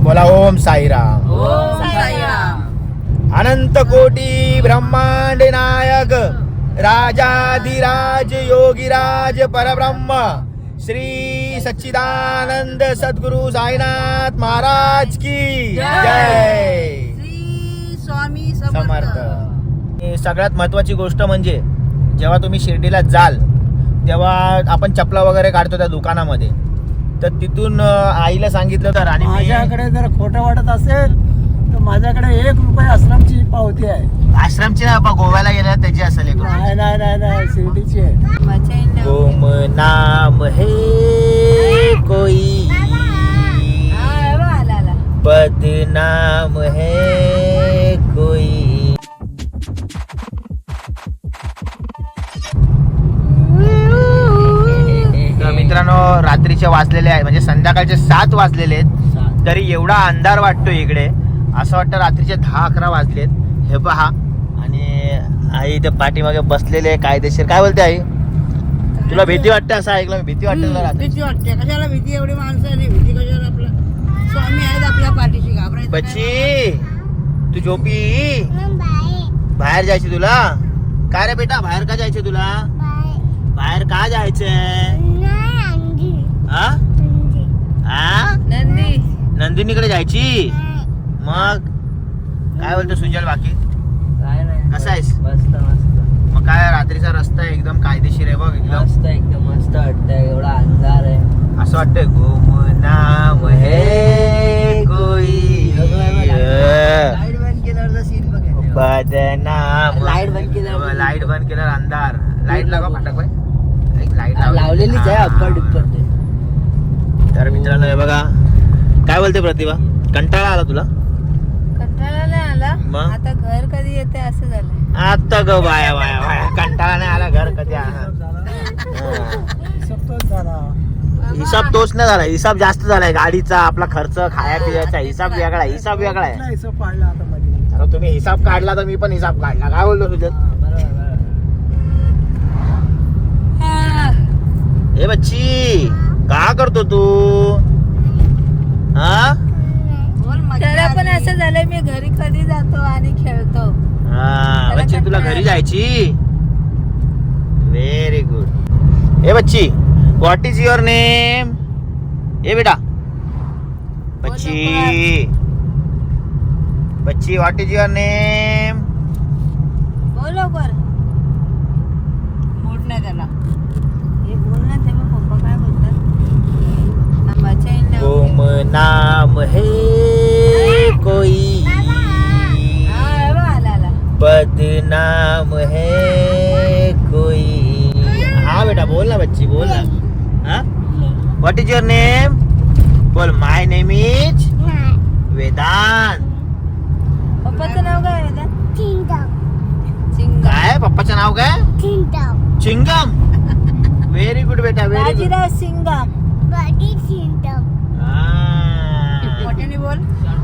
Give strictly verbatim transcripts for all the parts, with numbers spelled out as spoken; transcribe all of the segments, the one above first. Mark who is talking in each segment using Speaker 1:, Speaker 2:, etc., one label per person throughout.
Speaker 1: बोला ओम साईराम.
Speaker 2: ओम साईराम.
Speaker 1: अनंत कोटी ब्रह्मांड नायक राजाधिराज योगीराज परब्रह्म श्री सच्चिदानंद सद्गुरु साईनाथ महाराज की जय.
Speaker 2: श्री स्वामी
Speaker 1: समर्थ.
Speaker 2: समर्थ.
Speaker 1: सगळ्यात महत्वाची गोष्ट म्हणजे जेव्हा तुम्ही शिर्डीला जाल तेव्हा आपण चपला वगैरे काढतो त्या दुकानामध्ये, तर तिथून आईला सांगितलं तर आणि मी-
Speaker 3: माझ्याकडे जर खोटं वाटत असेल तर माझ्याकडे एक रुपये आश्रमची पावती आहे.
Speaker 1: आश्रमची ना बाबा, गोव्याला गेल्या त्याची असेल एक रुपये.
Speaker 3: नाही नाही नाही नाही शिर्डीची आहे.
Speaker 1: गुम नाम है कोई बदनाम है कोई. तर मित्रांनो रात्रीचे वाजलेले आहे म्हणजे संध्याकाळचे सात वाजलेले आहेत, तरी एवढा अंधार वाटतो इकडे, असं वाटतं रात्रीचे दहा अकरा वाजलेत. हे पहा, आणि आई इथे पाठीमागे बसलेले आहे कायदेशीर. काय बोलते आई, तुला भीती वाटते असं ऐकलं मी? भीती वाटते तुला रात्री?
Speaker 2: भीती वाटते. कशाला भीती? एवढी माणसं आहे, भीती कशाला? आपला स्वामी आहेत आपल्या पाठीशी, घाबरायचं काय?
Speaker 1: बच्ची तू झोपी, बाहेर जायची तुला? काय रे बेटा, बाहेर का जायचे तुला? बाहेर का जायचंय? हा? हा?
Speaker 2: नंदी
Speaker 1: नंदिनीकडे जायची? मग काय बोलतो सुजल, बाकी
Speaker 3: काय नाही,
Speaker 1: कसा आहेस?
Speaker 3: मस्त मस्त
Speaker 1: मग काय रात्रीचा रस्ता आहे एकदम कायदेशीर आहे बघ, एकदम
Speaker 3: मस्त एकदम मस्त वाटतंय. एवढा अंधार आहे.
Speaker 1: असं वाटतंय गुम नाम है कोई
Speaker 2: लाईट बंद केल्यावरचा सीन बघ.
Speaker 1: बदनाम.
Speaker 2: लाईट बंद केल्यावर-
Speaker 1: लाईट बंद केल्यावर अंधार. लाईट लागा फाटक बाई, लाईट
Speaker 3: लावलेलीच आहे अप्पर डिप्पर.
Speaker 1: तर मित्रांनो हे बघा, काय बोलते प्रतिभा, कंटाळा आला तुला?
Speaker 2: कंटाळा नाही आला.
Speaker 1: मग?
Speaker 2: आता घर कधी येते असं झालं.
Speaker 1: आता ग बाया बाया बाया, कंटाळा नाही आला, घर कधी आला? हिसाब तोच नाही झाला, हिसाब जास्त झालाय गाडीचा, आपला खर्च, खाया पियाचा हिसाब वेगळा आहे, हिसाब वेगळा आहे. अरे तुम्ही हिसाब काढला तर मी पण हिसाब काढला. काय बोलतो तुझ्यात? ए बच्ची, का करतो तू? हा
Speaker 2: त्याला पण असं झालं, मी घरी कधी जातो आणि खेळतो.
Speaker 1: हा बच्ची, तुला घरी जायची? Very good. ए बच्ची, व्हॉट इज युअर नेम? ए बेटा बच्ची, बच्ची व्हॉट इज युअर नेम?
Speaker 2: बोल लवकर. मूड नाही त्याला. हे बोल ना, तेव्हा पप्पा काय बोलतात?
Speaker 1: गुम नाम है कोई बदनाम है कोई. हा बेटा बोल ना बच्ची, बोल ना. हा, व्हॉट इज युअर नेम? बोल. My name is Vedant.
Speaker 2: पप्पाचं नाव काय आहे?
Speaker 1: काय पप्पाचं नाव काय? चिंगम. व्हेरी गुड बेटा, व्हेरी गुड.
Speaker 2: बाजीराव सिंगम. मोठ्याने बोल.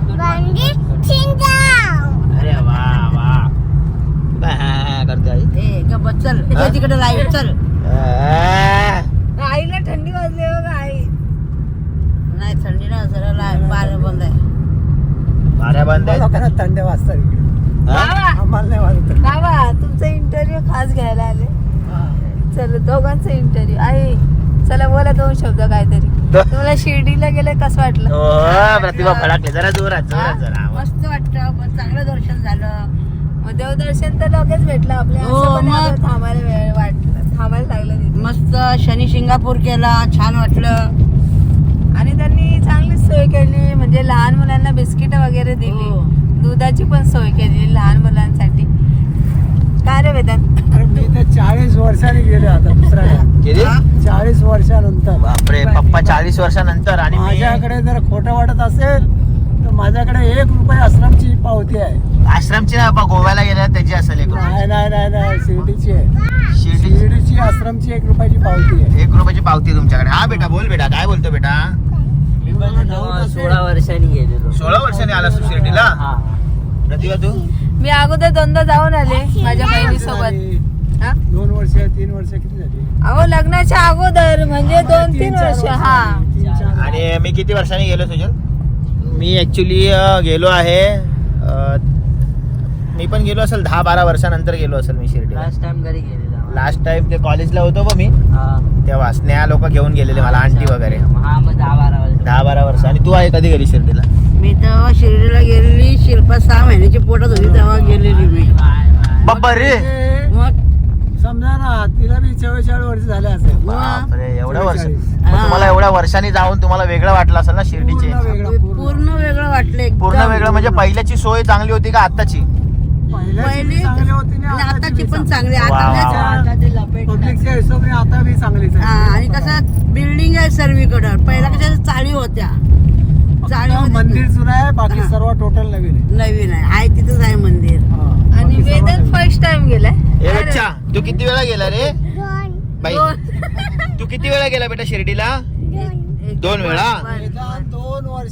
Speaker 1: अरे वा वा, काय करते आई?
Speaker 2: ए गप्प चल,
Speaker 1: हा?
Speaker 2: तिकडे लाईट चल.
Speaker 1: आ,
Speaker 2: आईला थंडी वाजली बघ. आई नाही थंडी ना, जरा लाईट बार बंद आहे.
Speaker 1: बाऱ्या बंद आहेत.
Speaker 3: थंड वाजता
Speaker 1: हा?
Speaker 3: आम्हाला नाही वाजत.
Speaker 2: बाबा तुमचा इंटरव्ह्यू खास घ्यायला आले. चल दोघांचा इंटरव्ह्यू. आई चला बोला दोन शब्द काहीतरी.
Speaker 1: दो-
Speaker 2: तुम्हाला शिर्डीला गेले कसं वाटलं?
Speaker 1: हो, प्रतिभा फडाकले जरा जोरात, जोरात
Speaker 2: हा?
Speaker 1: जरा.
Speaker 2: मस्त वाटतं, पण चांगलं दर्शन झालं. मग देवदर्शन तर लगेच भेटलं आपल्या.
Speaker 4: हो,
Speaker 2: असं पण
Speaker 4: मग.
Speaker 2: आपलं थांबायला वेळ वाटलं, थांबायला लागलं तिथे.
Speaker 4: मस्त शनी शिंगापूर केला, छान वाटलं.
Speaker 2: आणि त्यांनी चांगलीच सोय केली, म्हणजे लहान मुलांना बिस्किट वगैरे दिली.
Speaker 4: हो.
Speaker 2: दुधाची पण सोय केली लहान मुलांसाठी. काय रे वेदांत?
Speaker 3: अरे मी तर चाळीस वर्षांनी गेले आता दुसऱ्या.
Speaker 1: किती?
Speaker 3: चाळीस वर्षानंतर.
Speaker 1: बापरे, पप्पा चाळीस वर्षानंतर. आणि मी-
Speaker 3: माझ्याकडे जर खोटं वाटत असेल तर माझ्याकडे एक रुपये आश्रमची पावती आहे.
Speaker 1: आश्रमची ना बाबा, गोव्याला गेल्या त्याची असेल एक रुपये.
Speaker 3: नाही नाही नाही नाही शिर्डीची आहे.
Speaker 1: शिर्डी
Speaker 3: शिर्डीची आश्रमची एक रुपयाची पावती आहे.
Speaker 1: एक रुपयाची पावती तुमच्याकडे? हा बेटा बोल, बेटा काय बोलतो बेटा?
Speaker 3: सोळा वर्षांनी गेलेलो.
Speaker 1: सोळा वर्षांनी आला तू शिर्डीला? प्रतिभा तू?
Speaker 2: मी अगोदर दोनदा जाऊन आले माझ्या बहिणीसोबत. हा?
Speaker 3: दोन वर्ष तीन वर्ष किती झाली?
Speaker 2: अहो लग्नाच्या अगोदर म्हणजे दोन तीन वर्ष. हा
Speaker 3: तीन चार.
Speaker 1: आणि मी किती वर्षांनी गेलो सुजल? मी ॲक्च्युली गेलो आहे अ, मी पण गेलो असेल दहा बारा वर्षानंतर गेलो असेल मी शिर्डीला.
Speaker 4: लास्ट टाइम घरी गेलेला
Speaker 1: लास्ट टाइम ते कॉलेजला होतो बघ मी
Speaker 4: हा.
Speaker 1: तेव्हा स्नेहा लोक घेऊन गेलेले मला, आंटी वगैरे.
Speaker 4: हा मग दहा बारा वर्ष
Speaker 1: दहा बारा वर्ष. आणि तू आहे कधी गेली शिर्डीला?
Speaker 4: मी तेव्हा शिर्डीला गेलेली, शिल्पा सहा महिन्याची पोटात होती तेव्हा गेलेली मी.
Speaker 1: बाप्पा रे,
Speaker 4: मग
Speaker 3: समजा ना तिला बी चव्वेचाळीस वर्ष झाले असेल.
Speaker 1: बापरे एवढ्या वर्ष.
Speaker 3: चव्वेचाळीस.
Speaker 1: मग तुम्हाला एवढ्या वर्षांनी जाऊन तुम्हाला वेगळं वाटलं असेल ना शिर्डीचे?
Speaker 3: पूर्ण वेगळं, पूर्ण.
Speaker 4: पूर्ण वेगळं वाटलं एकदम.
Speaker 1: पूर्ण वेगळं म्हणजे पहिल्याची सोय चांगली होती का आत्ताची?
Speaker 3: पहिल्याची
Speaker 4: पहिली
Speaker 3: चांगली होती ना
Speaker 4: आणि
Speaker 3: आताची
Speaker 4: आताची
Speaker 3: बी
Speaker 4: पण
Speaker 3: चांगली.
Speaker 4: चांगली.
Speaker 1: वा, वा,
Speaker 4: आता
Speaker 1: वा.
Speaker 4: ते
Speaker 3: पब्लिकच्या हिशोबाने आता बी चांगलीच आहे.
Speaker 4: हा, आणि कसं बिल्डिंग आहे सर्वीकडं. पहिला कशा चाळी होत्या, चाळी
Speaker 3: फक्त मंदिर जुनं आहे, बाकी
Speaker 4: हा.
Speaker 3: सर्व टोटल नवीन आहे.
Speaker 4: नवीन आहे, आहे तिथंच आहे मंदिर.
Speaker 3: हा.
Speaker 2: आणि
Speaker 3: बाकी सर्व
Speaker 2: वेदन
Speaker 3: नवीन.
Speaker 2: फर्स्ट टाइम गेलाय.
Speaker 1: ए बच्चा, तू किती वेळा गेला रे बाई? तू किती वेळा गेला बेटा शिर्डीला? दोन वेळा?
Speaker 3: वेदांत दोन वर्ष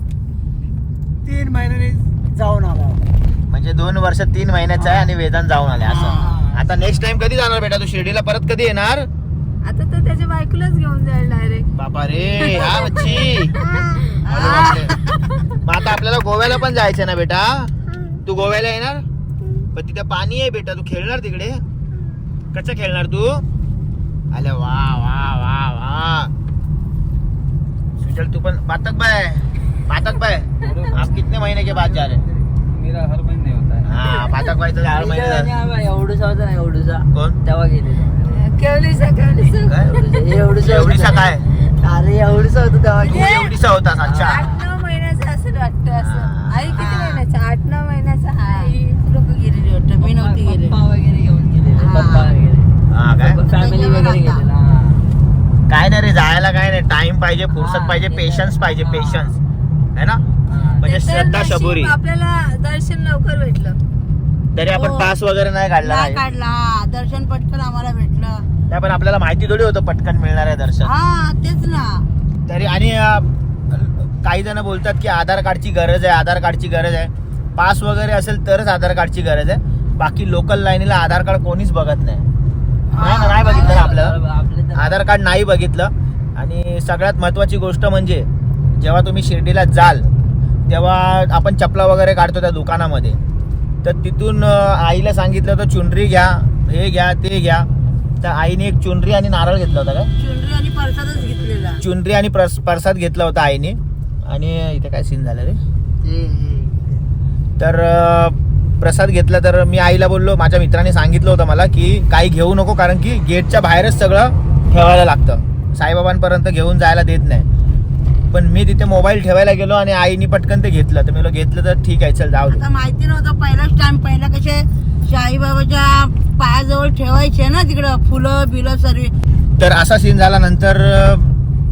Speaker 3: तीन महिन्यांनी जाऊन आला.
Speaker 1: म्हणजे दोन वर्ष तीन महिन्याचा आहे आणि वेदांत जाऊन आले असं.
Speaker 3: हा.
Speaker 1: आता नेक्स्ट टाइम कधी जाणार बेटा तू शिर्डीला? परत कधी येणार?
Speaker 2: आता तर त्याच्या बायकोलाच घेऊन जाईल डायरेक्ट.
Speaker 1: बापा रे, हा बच्ची. अरे बापरे. मग आता आपल्याला गोव्याला पण जायचं ना बेटा? तू गोव्याला येणार? पण तिथे पाणी आहे बेटा, तू खेळणार तिकडे? कसं खेळणार तू? अरे वा वा वा वा. सुजल तू पण पातक बाय, पातक बाय. आप कितने महीने के बाद जा रहे?
Speaker 5: मेरा हर महीने होता है.
Speaker 1: हा, पातक बायचं हर महिने.
Speaker 4: एवढूसा होता ना, एवढूसा
Speaker 1: कोण?
Speaker 4: तेव्हा गेलेलो.
Speaker 2: केवलीचा केवलीचा
Speaker 1: काय?
Speaker 4: एवढूसा
Speaker 1: एवढीसा काय?
Speaker 4: अरे एवढूसा होतं तेव्हा
Speaker 1: तू
Speaker 4: गेलेलो.
Speaker 1: एवढीसा होतास? अच्छा.
Speaker 2: आठ नऊ महिन्याचा असं वाटतं असं. आई किती महिन्याचा? आठ नऊ महिन्याचा आहे.
Speaker 4: लोक गेलेली वाटतं, मी नव्हती गेलेली.
Speaker 5: पप्पा वगैरे घेऊन गेलेले.
Speaker 4: हा.
Speaker 5: पप्पा वगैरे
Speaker 1: हा काय?
Speaker 5: फॅमिली वगैरे गेलेला.
Speaker 1: काय नाही रे, जायला काय नाही, टाइम पाहिजे, फुर्सत पाहिजे, पेशन्स पाहिजे, पेशन्स है ना. म्हणजे
Speaker 2: ते तर
Speaker 1: श्रद्धा
Speaker 2: नशीब
Speaker 1: शबुरी.
Speaker 2: आपल्याला दर्शन लवकर भेटलं.
Speaker 1: तरी आपण
Speaker 4: हो.
Speaker 1: पास वगैरे नाही काढला
Speaker 4: नाही
Speaker 1: नाही.
Speaker 4: काढला, हा. दर्शन पटकन आम्हाला भेटलं.
Speaker 1: नाही, पण आपल्याला माहिती थोडी होतं पटकन मिळणार आहे दर्शन.
Speaker 4: हा तेच ना.
Speaker 1: तरी आणि अं, काही जण बोलतात की आधार कार्डची गरज आहे, आधार कार्डची गरज आहे. पास वगैरे असेल तरच आधार कार्डची गरज आहे. बाकी लोकल लाईनीला आधार कार्ड कोणीच बघत नाही. नाही ना, नाही बघितलं ना आपल्याला
Speaker 5: आपले तर-
Speaker 1: आधार कार्ड नाही बघितलं. आणि सगळ्यात महत्त्वाची गोष्ट म्हणजे जेव्हा तुम्ही शिर्डीला जाल तेव्हा आपण चपला वगैरे काढतो त्या दुकानामध्ये, तर तिथून अं, आईला सांगितलं होतं चुनरी घ्या, हे घ्या, ते घ्या. तर आईने एक चुनरी आणि नारळ घेतला होता. काय
Speaker 4: चुनरी आणि परसादच घेतलेला.
Speaker 1: चुनरी आणि प्रस प्रसाद घेतला होता आईने. आणि इथे काय सीन झालं रे?
Speaker 4: हे, हे.
Speaker 1: तर अं, प्रसाद घेतला. तर मी आईला बोललो, माझ्या मित्राने सांगितलं होतं मला की काही घेऊ नको, कारण की गेटच्या बाहेरच सगळं ठेवायला लागतं, साईबाबांपर्यंत घेऊन जायला देत नाही. पण मी तिथे मोबाईल ठेवायला गेलो आणि आईने पटकन ते घेतलं. तर मी बोललो घेतलं तर ठीक आहे, चल जाऊ दे.
Speaker 4: आता माहिती नव्हतं पहिलाच टाइम. पहिला कसे साईबाबाच्या पायाजवळ ठेवायचे ना तिकडं फुलं बिलं सर्व.
Speaker 1: तर असा सीन झाला. नंतर अं,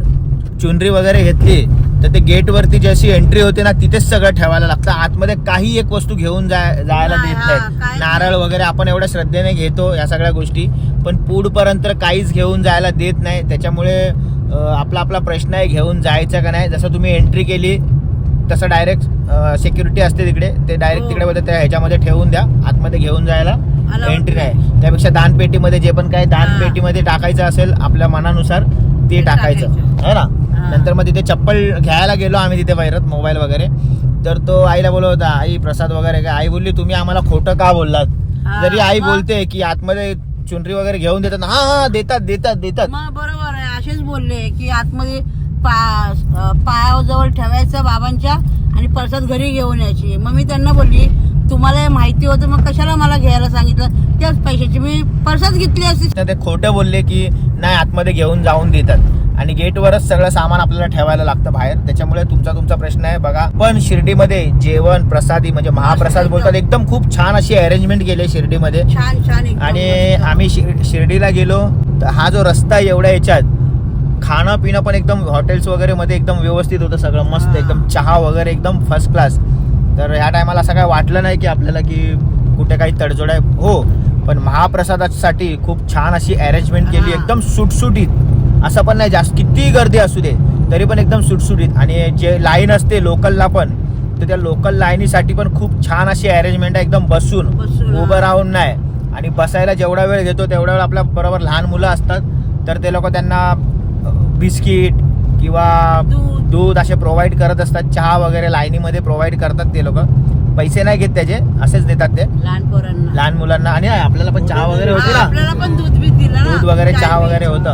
Speaker 1: चुनरी वगैरे घेतली तर ते गेटवरती जशी एंट्री होते ना तिथेच सगळं ठेवायला लागतं. आतमध्ये काही एक वस्तू घेऊन जाय जायला
Speaker 4: नाही,
Speaker 1: देत
Speaker 4: हा,
Speaker 1: नाहीत.
Speaker 4: काही
Speaker 1: नारळ वगैरे आपण एवढ्या श्रद्धेने घेतो या सगळ्या गोष्टी, पण पुढपर्यंत काहीच घेऊन जायला देत नाही. त्याच्यामुळे अं, आपला आपला प्रश्न आहे घेऊन जायचं का नाही. जसं तुम्ही एंट्री केली तसं डायरेक्ट सिक्युरिटी असते तिकडे, ते डायरेक्ट
Speaker 4: हो.
Speaker 1: तिकडे बोलते त्या ह्याच्यामध्ये ठेवून द्या, आतमध्ये घेऊन जायला
Speaker 4: Allowed
Speaker 1: एंट्री नाही. त्यापेक्षा दानपेटीमध्ये जे पण काय दानपेटीमध्ये टाकायचं असेल आपल्या मनानुसार ते
Speaker 4: ते
Speaker 1: टाकायचं
Speaker 4: टाकायचं.
Speaker 1: है ना.
Speaker 4: हा.
Speaker 1: नंतर मग तिथे चप्पल घ्यायला गेलो आम्ही तिथे वैरत मोबाईल वगैरे. तर तो आईला बोलत होता, आई प्रसाद वगैरे काय? आई बोलली तुम्ही आम्हाला खोटं का बोललात?
Speaker 4: हा,
Speaker 1: जरी आई
Speaker 4: मग?
Speaker 1: बोलते की आतमध्ये चुनरी वगैरे घेऊन देतात, हा हा देतात देतात देतात.
Speaker 4: मग बरोबर आहे, असेच बोलले की आतमध्ये पा पायाजवळ ठेवायचं बाबांच्या आणि परसाद घरी घेऊन यायची. मग मी त्यांना बोलली तुम्हाला हे माहिती होतं मग कशाला मला घ्यायला सांगितलं? त्याच पैशाची मी परसाद घेतली असती.
Speaker 1: तर ते खोटं बोलले की नाही आतमध्ये घेऊन जाऊन देतात आणि गेटवरच सगळं सामान आपल्याला ठेवायला लागतं बाहेर. त्याच्यामुळे तुमचा तुमचा प्रश्न आहे बघा. पण शिर्डीमध्ये जेवण प्रसादी म्हणजे महाप्रसाद बोलतात, एकदम खूप छान अशी अरेंजमेंट केली शिर्डीमध्ये.
Speaker 4: छान छान एकदम
Speaker 1: आणि
Speaker 4: मस्त.
Speaker 1: आम्ही शिर- शिर्डीला गेलो तर हा जो रस्ता आहे एवढ्या याच्यात खाणं पिणं पण एकदम हॉटेल्स वगैरे मध्ये एकदम व्यवस्थित होतं सगळं मस्त,
Speaker 4: हा.
Speaker 1: एकदम चहा वगैरे एकदम फर्स्ट क्लास. तर ह्या टायमाला असं काय वाटलं नाही की आपल्याला की कुठे काही तडजोड आहे. हो, पण महाप्रसादासाठी खूप छान अशी अरेंजमेंट केली,
Speaker 4: हा.
Speaker 1: एकदम सुटसुटीत. असं पण नाही जास्त किती गर्दी असू दे तरी पण एकदम सुटसुटीत. आणि जे लाईन असते लोकलला पण, तर त्या लोकल लाईनीसाठी पण खूप छान अशी अरेंजमेंट आहे, एकदम बसून
Speaker 4: बसून, हा.
Speaker 1: उभं राहून नाही. आणि बसायला जेवढा वेळ घेतो तेवढा वेळ आपल्या बरोबर लहान मुलं असतात तर ते लोक त्यांना बिस्किट किंवा
Speaker 4: दूध
Speaker 1: दूध असे प्रोव्हाइड करत असतात, चहा वगैरे लाईनीमध्ये प्रोव्हाइड करतात ते लोक, पैसे नाही घेत त्याचे, असेच देतात ते
Speaker 4: लहान पोरांना.
Speaker 1: लहान मुलांना. आणि आपल्याला पण चहा वगैरे होती
Speaker 4: हा,
Speaker 1: ना,
Speaker 4: आपल्याला पण दूध बीत दिलं ना,
Speaker 1: दूध वगैरे
Speaker 4: चाय
Speaker 1: चहा वगैरे
Speaker 4: प्यायचं.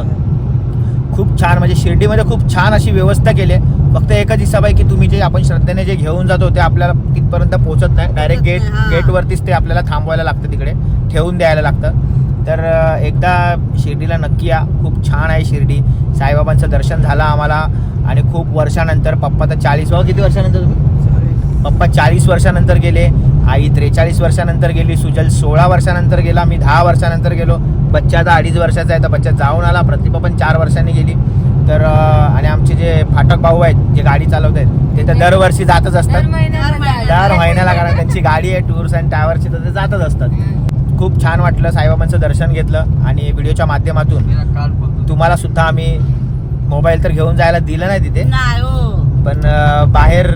Speaker 1: होतं. खूप छान, म्हणजे शिर्डीमध्ये खूप छान अशी व्यवस्था केली आहे. फक्त एकच हिसाब आहे की तुम्ही जे आपण श्रद्धेने जे घेऊन जातो ते आपल्याला तिथपर्यंत पोहोचत नाही, डायरेक्ट गेट
Speaker 4: नाही, हा.
Speaker 1: गेटवरतीच ते आपल्याला थांबवायला लागतं, तिकडे ठेवून द्यायला लागतं. तर अं, एकदा शिर्डीला नक्की या, खूप छान आहे शिर्डी. साईबाबांचं दर्शन झालं आम्हाला आणि खूप वर्षानंतर, पप्पा तर चाळीस व किती वर्षानंतर तुम्ही पप्पा चाळीस वर्षानंतर गेले, आई त्रेचाळीस वर्षानंतर गेली, सुजल सोळा वर्षानंतर गेला, मी दहा वर्षानंतर गेलो, बच्चा आता अडीच वर्षाचा आहे तर बच्चा जाऊन आला, प्रतिभा पण चार वर्षांनी गेली. तर अं, आणि आमचे जे फाटक भाऊ आहेत जे गाडी चालवत आहेत ते तर दरवर्षी जातच
Speaker 2: दर
Speaker 1: असतात,
Speaker 2: महिन्याला जायला.
Speaker 1: दर महिन्याला, कारण त्यांची गाडी आहे टूर्स अँड ट्रॅव्हल्सची, तर ते जातच असतात. खूप छान वाटलं, साईबाबांचं दर्शन घेतलं आणि व्हिडिओच्या माध्यमातून
Speaker 5: मेरा कार्ड बोल
Speaker 1: तुम्हाला सुद्धा आम्ही मोबाईल तर घेऊन जायला दिलं नाही तिथे,
Speaker 4: नाही हो.
Speaker 1: पण अं, बाहेर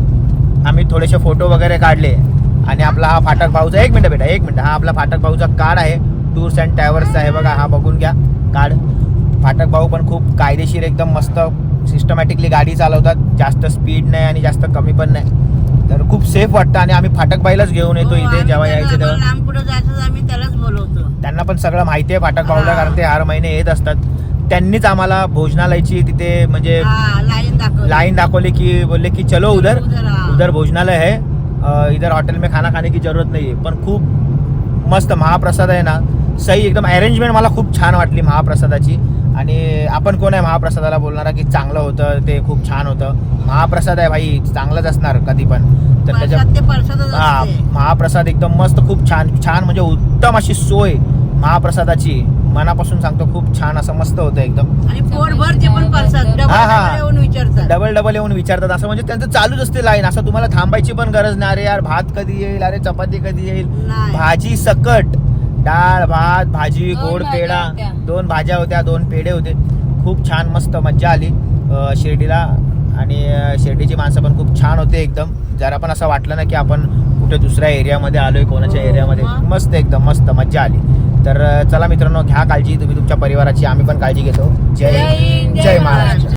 Speaker 1: आम्ही थोडेसे फोटो वगैरे काढले. आणि आपला हा फाटक भाऊचा, एक मिनिट बेटा एक मिनिट, हा आपला फाटक भाऊचा कार्ड आहे, टूर्स अँड ट्रॅव्हल्सचा आहे बघा, हा बघून घ्या कार्ड. फाटक भाऊ पण खूप कायदेशीर एकदम मस्त सिस्टमॅटिकली गाडी चालवतात, जास्त स्पीड नाही आणि जास्त कमी पण नाही, तर खूप सेफ वाटतं. आणि आम्ही फाटक बाईलाच घेऊन येतो
Speaker 4: हो,
Speaker 1: इथे
Speaker 4: आम्ही
Speaker 1: जेव्हा
Speaker 4: त्यांना
Speaker 1: यायचं तेव्हा.
Speaker 4: लांब कुठं जायचं आम्ही त्यालाच बोलवतो.
Speaker 1: त्यांना पण सगळं माहिती आहे फाटक भाऊला,
Speaker 4: हा.
Speaker 1: कारण ते हर महिने येत असतात. त्यांनीच आम्हाला भोजनालयाची तिथे म्हणजे
Speaker 4: हा, लाईन दाखव
Speaker 1: लाइन दाखवली की बोलले की चलो उधर
Speaker 4: उधर, हाँ.
Speaker 1: उधर भोजनालय है, अ, इधर होटल में खाना खाने की जरूरत नहीं है. पण खूप मस्त महाप्रसाद आहे ना, सही एकदम अरेंजमेंट मला खूप छान वाटली महाप्रसादाची. आणि आपण कोण आहे महाप्रसादाला बोलणारा की चांगलं होतं, ते खूप छान होतं. महाप्रसाद आहे भाई, चांगलंच असणार कधी पण. तर त्याच्या
Speaker 4: प्रसाद ते प्रसादच
Speaker 1: हा
Speaker 4: असते.
Speaker 1: महाप्रसाद एकदम मस्त, खूप छान छान, म्हणजे उत्तम अशी सोय महाप्रसादाची, मनापासून सांगतो खूप छान असं मस्त होतं एकदम.
Speaker 4: आणि पोटभर ते पण प्रसाद डबल
Speaker 1: हा, हा.
Speaker 4: डबल येऊन विचारतात.
Speaker 1: डबल डबल येऊन विचारतात, असं म्हणजे त्यांचं चालूच असते लाईन, असं तुम्हाला थांबायची पण गरज नाही. अरे यार भात कधी येईल, अरे चपाती कधी येईल,
Speaker 4: नाही.
Speaker 1: भाजी सकट, डाळ भात भाजी
Speaker 2: दोन
Speaker 1: गोड
Speaker 2: भाज्या
Speaker 1: पेढा,
Speaker 2: होत्या.
Speaker 1: दोन भाज्या होत्या, दोन पेढे होते. खूप छान मस्त मज्जा आली अं, शिर्डीला. आणि अं, शिर्डीची माणसं पण खूप छान होते एकदम. जरा पण असं वाटलं ना की आपण कुठे दुसऱ्या एरियामध्ये आलोय, कोणाच्या
Speaker 4: हो,
Speaker 1: एरियामध्ये.
Speaker 4: मग?
Speaker 1: मस्त एकदम मस्त मज्जा आली. तर अं, चला मित्रांनो, घ्या काळजी तुम्ही तुमच्या परिवाराची, आम्ही पण काळजी घेतो. जय
Speaker 2: जय हिंद,
Speaker 1: जय
Speaker 2: जय
Speaker 1: महाराष्ट्र.
Speaker 2: महाराष्ट्र.